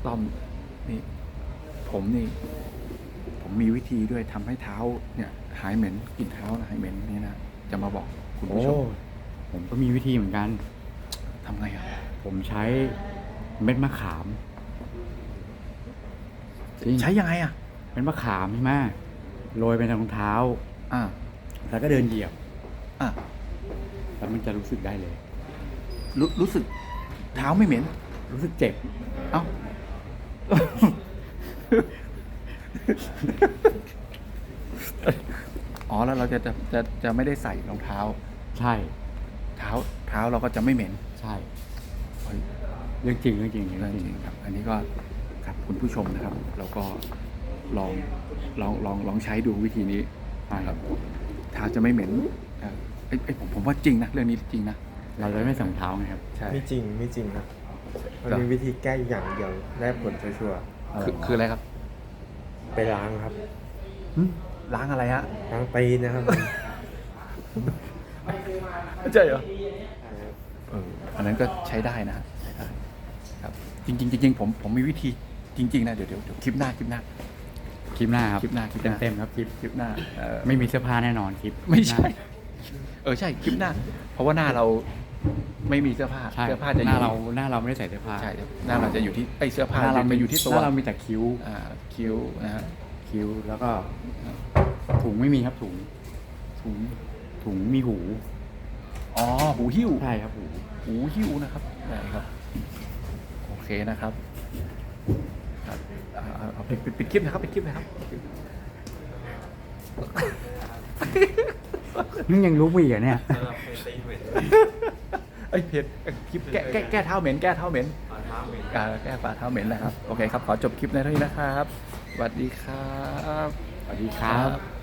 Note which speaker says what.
Speaker 1: ต้อมนี่ผมนี่ผมมีวิธีด้วยทำให้เท้าเนี่ยหายเหม็นกลิ่นเท้าหายเหม็นนี่นะจะมาบอกคุณ
Speaker 2: โอ้
Speaker 1: ผู้ชม
Speaker 2: ผมก็มีวิธีเหมือนกัน
Speaker 1: ทำไงอ่ะ
Speaker 2: ผมใช้เม็ดมะขามจริง
Speaker 1: ใช้ยังไงอ่ะ
Speaker 2: เม็ดมะขามใช่ไหมโรยไปในรองเท้า
Speaker 1: อ่า
Speaker 2: แล้วก็เดินเหยียบ
Speaker 1: อ่ะ
Speaker 2: แล้วมันจะรู้สึกได้เลย
Speaker 1: รู้สึกเท้าไม่เหม็น
Speaker 2: รู้สึกเจ็บ
Speaker 1: เอ้า อ๋อแล้วเราจะไม่ได้ใส่รองเท้า
Speaker 2: ใช่
Speaker 1: เท้าเราก็จะไม่เหม็น
Speaker 2: ใช่
Speaker 1: เฮ้ย
Speaker 2: เรื่องจริงเรื่องจริง
Speaker 1: เรื่
Speaker 2: เรื่
Speaker 1: อ
Speaker 2: องง
Speaker 1: จ
Speaker 2: จ
Speaker 1: ริ
Speaker 2: ริ
Speaker 1: ง
Speaker 2: ง
Speaker 1: ครับ อันนี้ก็ครับคุณผู้ชมนะครับ เราก็ลองใช้ดูวิธีนี้นะครับเท้าจะไม่เหม็นผมว่าจริงนะเรื่องนี้จริงนะ
Speaker 2: เราเลยไม่ใส่รองเท้าไงครับ
Speaker 1: ใช่
Speaker 3: ไม่จริงครับมัน
Speaker 1: ครับ
Speaker 3: มีวิธีแก้อย่างเดียวได้ผลชัวร์
Speaker 1: คืออะไรครับ
Speaker 3: ๆไปล้างครับ
Speaker 1: ล้างอะไรฮะ
Speaker 3: ล้างตีนนะครับ
Speaker 1: ใช่เหรออันนั้นก็ใช้ได้นะใช้ได้ครับ จริงผมมีวิธีจริงๆนะเดี๋ยวคลิปหน้า
Speaker 2: คลิปหน้าครับ
Speaker 1: คลิปหน้า
Speaker 2: เต็มๆครับคลิป
Speaker 1: คลิปหน้า
Speaker 2: ไม่มีเสื้อผ้าแน่นอนคลิป
Speaker 1: ไม่ใช่
Speaker 2: หน้า
Speaker 1: ใช่คลิปหน้า เพราะว่าหน้าเราไม่มีเสื้อผ้า
Speaker 2: ใช่
Speaker 1: เสื้อผ้าจะ
Speaker 2: ห
Speaker 1: อ
Speaker 2: น้า
Speaker 1: ยู่
Speaker 2: เราไม่ได้ใส่เสื้อผ้า
Speaker 1: ใช่หน้าเราจะอยู่ที่เสื้อผ้า
Speaker 2: หน้าเรา
Speaker 1: จะอยู่ที่ตัว
Speaker 2: หน้าเรามีแต่คิ้ว
Speaker 1: คิ้วนะฮะ
Speaker 2: คิ้วแล้วก็ถุงไม่มีครับถุง ถุงมีหู
Speaker 1: อ๋อหูหิ้ว
Speaker 2: ใช่ครับหู
Speaker 1: หูหิ้วนะครับได้ครับ โอเคนะครับครับเอาปิดคลิปนะครับปิดคลิปนะครับ
Speaker 2: นี่ยังรู้อีกเหรอเนี่ย
Speaker 1: เพจคลิปแก้เท้าเหม็นแก้เท้าเหม็นแก้ฝ่าเท้าเหม็นนะครับโอเคครับขอจบคลิปในเท่านี้นะครับสวัสดีครับ
Speaker 2: สวัสดีครับ